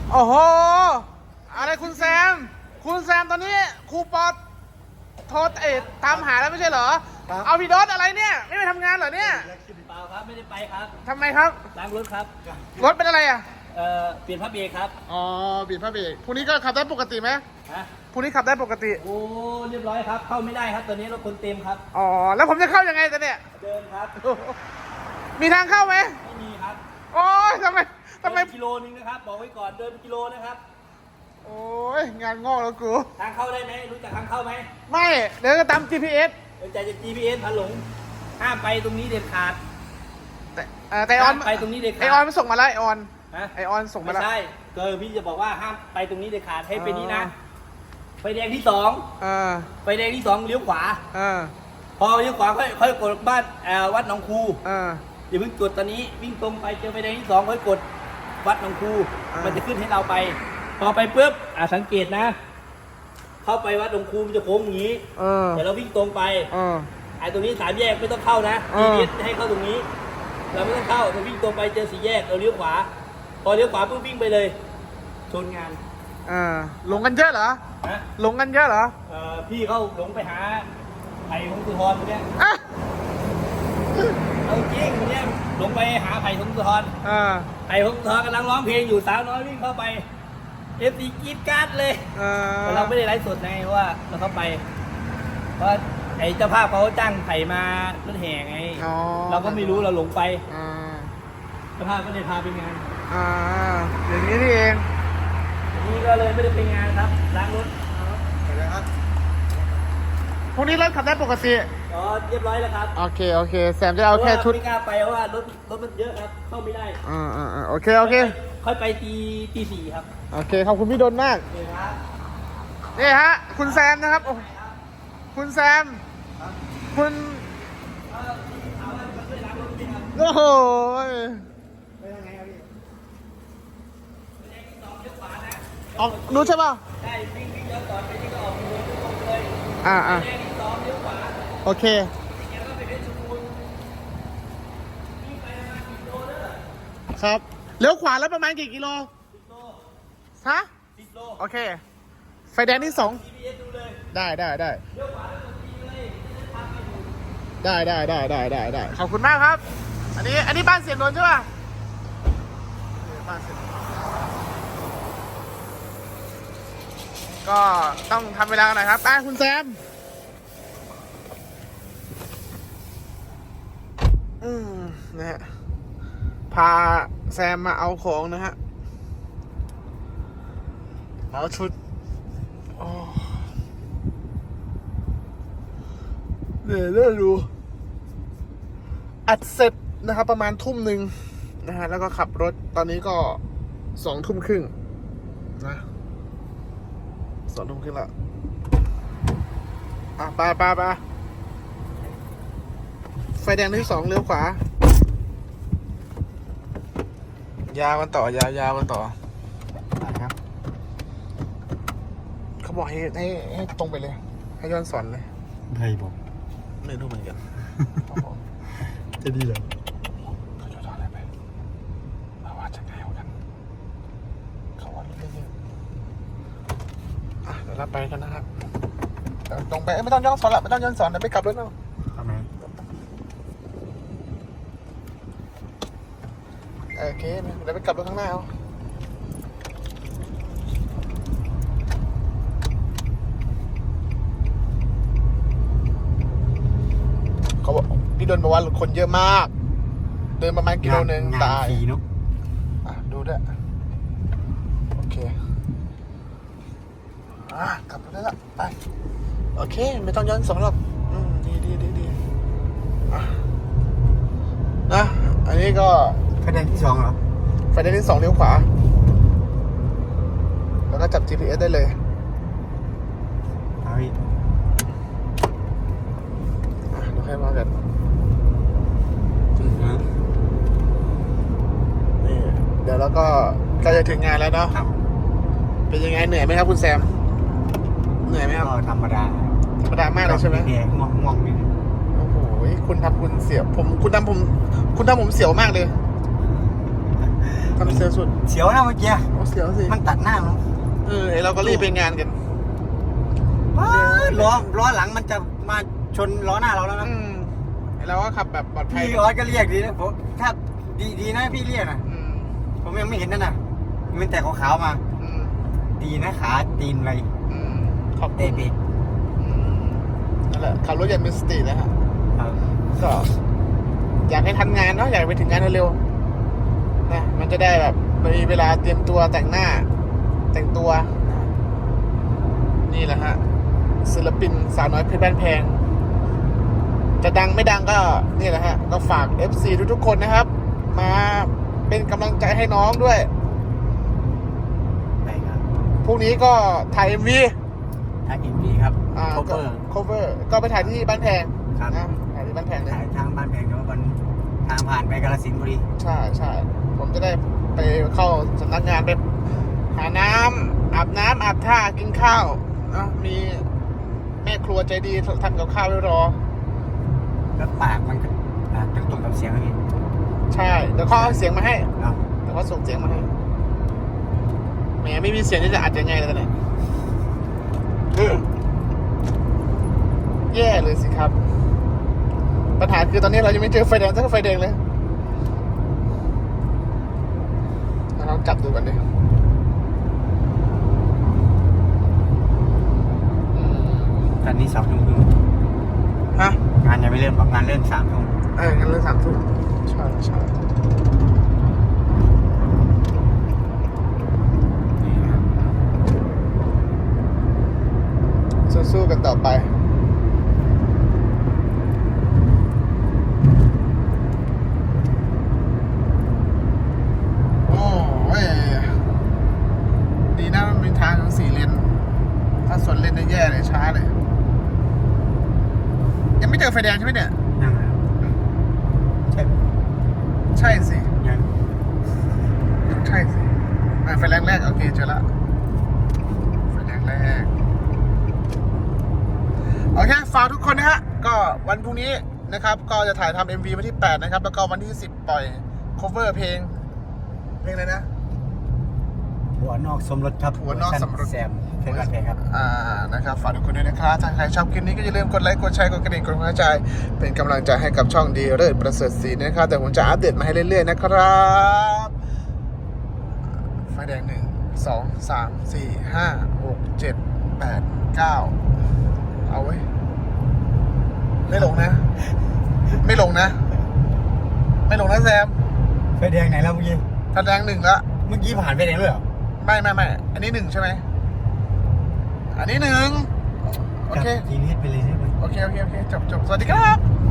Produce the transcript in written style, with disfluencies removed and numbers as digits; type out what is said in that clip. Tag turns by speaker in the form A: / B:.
A: โอ้โหอะไรคุณแซมตอนนี้ครูปอโทรตามหาแล้วไม่ใช่เหรอเอาพี่ดอสอะไรเนี่ยไม่ไปทำงานเหรอเนี่ย
B: เปล่าครับไม่ได้ไปครับ
A: ทำไมครับ
B: ล้างรถครับ
A: รถเป็นอะไรอ่ะ
B: เปลี่ยนผ้าเบรกครับ
A: อ๋อเปลี่ยนผ้าเบรกพรุ่งนี้ก็ขับได้ปกติไหม
B: ฮะ
A: พรุ่งนี้ขับได้ปกติ
B: โอ้เรียบร้อยครับเข้าไม่ได้ครับตอนนี้รถคนเต็มครับ
A: อ๋อแล้วผมจะเข้ายังไงแต่เนี่ย
B: เดินครับ
A: มีทางเข้าไหม
B: ไม่มีครับ
A: โอ้ยทำไม
B: กิโลนึงนะครับบอกไว้ก่อนเดินกิโลนะครับ
A: โอ้ยงานงอกแล้วกู
B: ทางเข้าได้ไหมรู้จักทางเข้าไหม
A: ไม่เดี๋ยวก็ตาม GPS
B: เดินใจจะ GPS พาหลงห้ามไปตรงนี้เด็ดขาด
A: แต่ออน
B: ไปตรงนี้เด็ดขาด
A: ไอออนมันส่งมาแล้วไอออนส่งมาแล้ว
B: ไม่ใช่พี่จะบอกว่าห้ามไปตรงนี้เด็ดขาดให้ไปนี้นะไฟแดงที่สองไฟแดงที่สองเลี้ยวขวาพอเลี้ยวขวาค่อยกดบ้านวัดหนองคูอย่าเพิ่งกดตอนนี้วิ่งตรงไปเจอไฟแดงที่สองค่อยกดวัดหนองคูมันจะขึ้นให้เราไปพอไปปุ๊บสังเกตนะเข้าไปวัดหนองคูมันจะโค้งอย่างนี้แต่เราวิ่งตรงไปไอ้ตรงนี้3 แยกไม่ต้องเข้านะให้เข้าตรงนี้เราไม่ต้องเข้าเราวิ่งตรงไปเจอ4 แยกเราเลี้ยวขวาพอเลี้ยวขวาปุ๊บวิ่งไปเลยชนงาน
A: หลงกันเยอะเหรอหลงกันเยอะเหรอ
B: พี่เขาหลงไปหาไผ่พงศธรคนเนี้ยเอาจริงคนเนี้ยหลงไปหาไผ่พงศธรไผ่พงศธรกำลังร้องเพลงอยู่สาวน้อยวิ่งเข้าไปFCกรี๊ดกราดเลยแต่เราไม่ได้ไลฟ์สดไงเพราะว่าเราเข้าไปเพราะไอ้เจ้าภาพเขาจ้างไผ่มารถแห่ไงเราก็ไม่รู้เราหลงไปเจ้าภาพก็เลยพาไปงาน
A: อย่างนี้นี่เอง
B: นี่ก็เลยไม่ได้ไปงานครับล้างรถ
A: พวกนี้รถขับได้ปกติ
B: เรียบร้อยแล้วครับ
A: โอเคแซมจะเอาแค่ชุด
B: ไม่กล้าไปเพราะว่ารถมันเยอะครับเข้าไม่ได้
A: โอเค
B: ค่อยไปตี 4ครับ
A: โอเคขอบคุณพี่ดนมากนี่ฮะคุณแซมนะครับคุณแซมคุณโอ้โหไปทางไหนครับพี่ออกนู้นใช่ป่ะ
B: ใช่วิ่งย้อนสอนไปนี่ก็ออกเลย
A: โอเคครับเลี้ยวขวาแล้วประมาณกี่กิโลฮะโอเคไฟแดงที่2ได้ขอบคุณมากครับอันนี้บ้านเสียงนนท์ใช่ป่ะบ้านเสียงนนท์ก็ต้องทำเวลากันหน่อยครับคุณแซมนะฮะพาแซมมาเอาของนะฮะเอาชุดเนี่ยดูอัดเสร็จนะครับประมาณทุ่มหนึ่งนะฮะแล้วก็ขับรถตอนนี้ก็20:30นะ20:30แล้วไปไฟแดงที่2เลี้ยวขวายาวกันต่อยาวกันต่อนะครับเขาบอกให้ตรงไปเลยให้ย้อนสอนเลย
C: ใครบอก
A: ไม่รู้เหมือนกัน
C: จะดีเหรอ
A: เขาจะทำอะไรไปเราว่าจะง่ายกว่ากันเขาว่าเรื่องนี้เดี๋ยวเราไปกันนะครับตรงไปไม่ต้องย้อนสอนละไม่ต้องย้อนสอนเดี๋ยวไปกลับรถเอา
C: ทำไม
A: โอเคเดี๋ยวไปกลับรถข้างหน้าเอาเขาบอกพี่ดนบอกว่าคนเยอะมากเดินประมาณกิโลนึงตายดูด้วยโอเคกลับรถได้ละไปโอเคไม่ต้องย้อนสอนหรอกดีนะอันนี้ก็
C: ไฟแดงที่2เหรอ
A: ไฟแดงที่2เลี้ยวขวาแล้วก็จับ GPS ได้เลยเราให้มากันนี่เดี๋ยวเราก็ใกล้จะถึงงานแล้วเนาะเป็นยังไงเหนื่อยไหมครับคุณแซมเหนื่อยไหมครับ
C: ธรรมด
A: ามากเลยใช่ไหม
C: ง่วงนิดนึง
A: โอ้โหคุณทำผมเสียวมากเลยทำเสียสุด
C: เสียวนะเมื่อกี้
A: โอ้เสียวสิ
C: มันตัดหน้ามัน
A: ไอ้เราก็รีบไปงานกัน
C: ล้อหลังมันจะมาชนล้อหน้าเราแล้วนะ
A: ไอ้เราก็ขับแบบปลอดภัย
C: พี่ออสก็เรียกดีนะผมถ้าดีนะพี่เรียกนะ
A: อืม
C: ผมยังไม่เห็นนั่นน่ะมันแต่ขาวๆมา
A: อืม
C: ดีนะขาตีนไป
A: อืมขอบคุ
C: เตะ
A: ณ
C: ปีก
A: นั่นแหละขับรถอย่างมีสตินะฮะ ก็อยากให้ทันงานเนาะอยากไปถึงงานเร็วๆนะมันจะได้แบบมีเวลาเตรียมตัวแต่งหน้า แต่งตัวนะนี่แหละฮะศิลปินสาวน้อยเพชรบ้านแพง จะดังไม่ดังก็นี่แหละฮะก็ฝาก FC ทุกๆคนนะครับ มาเป็นกำลังใจให้น้องด้วย
C: ใช่ครับ
A: พรุ่งนี้ก็ถ่าย MV
C: ทางอินดีครับ
A: ก็ cover ก็ไปถ่ายที่บ้านแพง
C: ครับ
A: นะถ่ายที่บ้านแพงเลย
C: ถ่ายทางบ้านแพงเนาะมันทางผ่านไปกาฬสินธุ์พอดี
A: ใช่ใช่ผมจะได้ไปเข้าสำนักงานไปหาน้ำอาบน้ำอาบท่ากินข้าวเนาะมีแม่ครัวใจดีทำกับข้าวไว้รอ
C: แล้วปากมันก็ตรงกับเสียงนี่
A: ใช่เดี๋ยวเขาเอาเสียงมาให้
C: เนาะ
A: เดี๋ยวเขาส่งเสียงมาให้แหมไม่มีเสียงจะอัดยังไงเลยเนี่ยแย่เลยสิครับ ปัญหาคือตอนนี้เรายังไม่เจอไฟแดงสักไฟแดงเลยลองจับดูกันดิ
C: ตอนนี้2 ทุ่มครึ่ง
A: ฮะ
C: งานยังไม่เริ่มบอกงานเริ่ม3 ทุ่ม
A: งั้นเริ่ม3 ทุ่มใช่ใช่สู้ๆกันต่อไปโอ้ยดีนะมันเป็นทาง4 เลนถ้าสวนเลนจะแย่เลยช้าเลย ยังไม่เจอไฟแดงใช่ไหมเนี่ย
C: ยังไงใช่
A: ใช่สิ
C: ยัง
A: ใช่สิไฟแรงแรกโอเคเจอละไฟแรงแรกโอเคฝากทุกคนนะฮะก็วันพรุ่งนี้นะครับก็จะถ่ายทำ MV วันที่8นะครับแล้วก็วันที่10ปล่อย cover เพลงอะไรนะ
C: หัวนอกสมรสครับ
A: หัวนอกสมรส
C: แซมเพลงกันเพลงครับ
A: นะครับฝากทุกคนด้วยนะครับถ้าใครชอบคลิปนี้ก็อย่าลืมกดไลค์กดแชร์กดกระดิ่งกดหัวใจเป็นกำลังใจให้กับช่องดีเลิศประเสริฐศรีนะครับแต่ผมจะอัปเดตมาให้เรื่อยๆนะครับไฟแดง1 2 3 4 5 6 7 8 9เอาไว้ไม่ลงนะ ไม่ลงนะ ไม่ลงนะแซม
C: ไฟแดงไหนแล้วเมื่อกี้
A: ไฟแดง1ละ
C: เมื่อกี้ผ่านไฟแดงด้วยเหรอ
A: ไม่อันนี้1ใช่ไหมอันนี้1โอเค
C: ทีนี้ไปเลยใช่ไหม
A: โอเค จบ สวัสดีครับ